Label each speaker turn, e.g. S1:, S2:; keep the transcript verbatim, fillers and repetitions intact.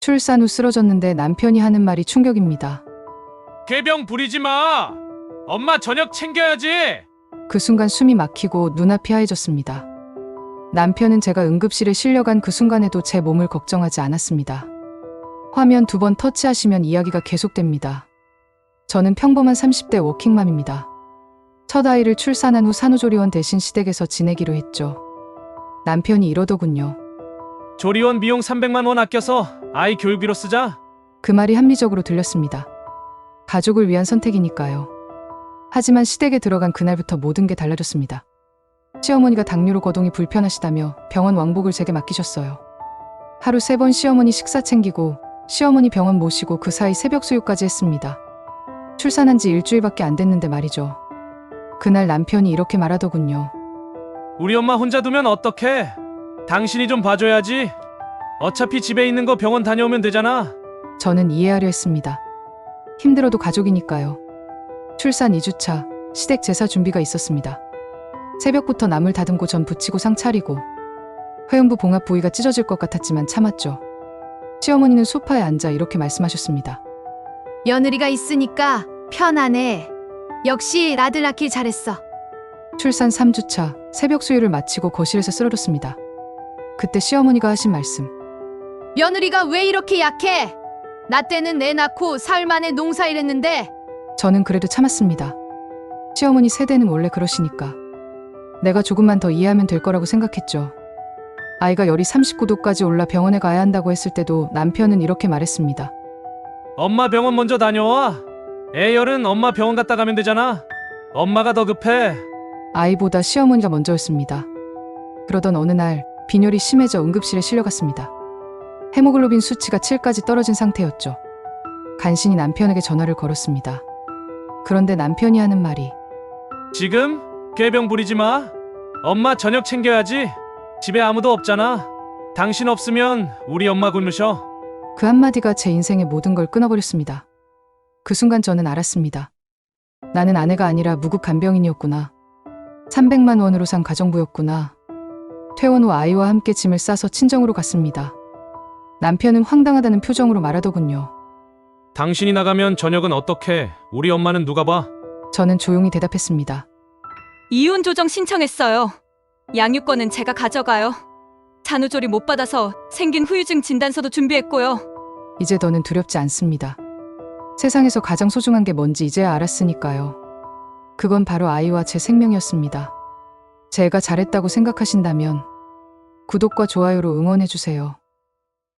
S1: 출산 후 쓰러졌는데 남편이 하는 말이 충격입니다.
S2: 꾀병 부리지 마. 엄마 저녁 챙겨야지.
S1: 그 순간 숨이 막히고 눈앞이 하얘졌습니다. 남편은 제가 응급실에 실려간 그 순간에도 제 몸을 걱정하지 않았습니다. 화면 두 번 터치하시면 이야기가 계속됩니다. 저는 평범한 삼십 대 워킹맘입니다. 첫 아이를 출산한 후 산후조리원 대신 시댁에서 지내기로 했죠. 남편이 이러더군요.
S2: 조리원 비용 삼백만 원 아껴서 아이 교육비로 쓰자.
S1: 그 말이 합리적으로 들렸습니다. 가족을 위한 선택이니까요. 하지만 시댁에 들어간 그날부터 모든 게 달라졌습니다. 시어머니가 당뇨로 거동이 불편하시다며 병원 왕복을 제게 맡기셨어요. 하루 세 번 시어머니 식사 챙기고 시어머니 병원 모시고 그 사이 새벽 수유까지 했습니다. 출산한 지 일주일밖에 안 됐는데 말이죠. 그날 남편이 이렇게 말하더군요.
S2: 우리 엄마 혼자 두면 어떡해? 당신이 좀 봐줘야지. 어차피 집에 있는 거 병원 다녀오면 되잖아.
S1: 저는 이해하려 했습니다. 힘들어도 가족이니까요. 출산 이 주차, 시댁 제사 준비가 있었습니다. 새벽부터 나물 다듬고 전 부치고 상 차리고 회음부 봉합 부위가 찢어질 것 같았지만 참았죠. 시어머니는 소파에 앉아 이렇게 말씀하셨습니다.
S3: 며느리가 있으니까 편하네. 역시 아들 낳길 잘했어.
S1: 출산 삼 주차, 새벽 수유를 마치고 거실에서 쓰러졌습니다. 그때 시어머니가 하신 말씀.
S3: 며느리가 왜 이렇게 약해? 나 때는 애 낳고 사흘 만에 농사일 했는데.
S1: 저는 그래도 참았습니다. 시어머니 세대는 원래 그러시니까. 내가 조금만 더 이해하면 될 거라고 생각했죠. 아이가 열이 삼십구 도까지 올라 병원에 가야 한다고 했을 때도 남편은 이렇게 말했습니다.
S2: 엄마 병원 먼저 다녀와. 애 열은 엄마 병원 갔다 가면 되잖아. 엄마가 더 급해.
S1: 아이보다 시어머니가 먼저였습니다. 그러던 어느 날 빈혈이 심해져 응급실에 실려갔습니다. 헤모글로빈 수치가 칠까지 떨어진 상태였죠. 간신히 남편에게 전화를 걸었습니다. 그런데 남편이 하는 말이
S2: 지금? 꾀병 부리지 마. 엄마 저녁 챙겨야지. 집에 아무도 없잖아. 당신 없으면 우리 엄마 굶으셔.
S1: 그 한마디가 제 인생의 모든 걸 끊어버렸습니다. 그 순간 저는 알았습니다. 나는 아내가 아니라 무급 간병인이었구나. 삼백만 원으로 산 가정부였구나. 퇴원 후 아이와 함께 짐을 싸서 친정으로 갔습니다. 남편은 황당하다는 표정으로 말하더군요.
S2: 당신이 나가면 저녁은 어떡해? 우리 엄마는 누가 봐?
S1: 저는 조용히 대답했습니다.
S4: 이혼 조정 신청했어요. 양육권은 제가 가져가요. 산후조리 못 받아서 생긴 후유증 진단서도 준비했고요.
S1: 이제 더는 두렵지 않습니다. 세상에서 가장 소중한 게 뭔지 이제야 알았으니까요. 그건 바로 아이와 제 생명이었습니다. 제가 잘했다고 생각하신다면 구독과 좋아요로 응원해주세요.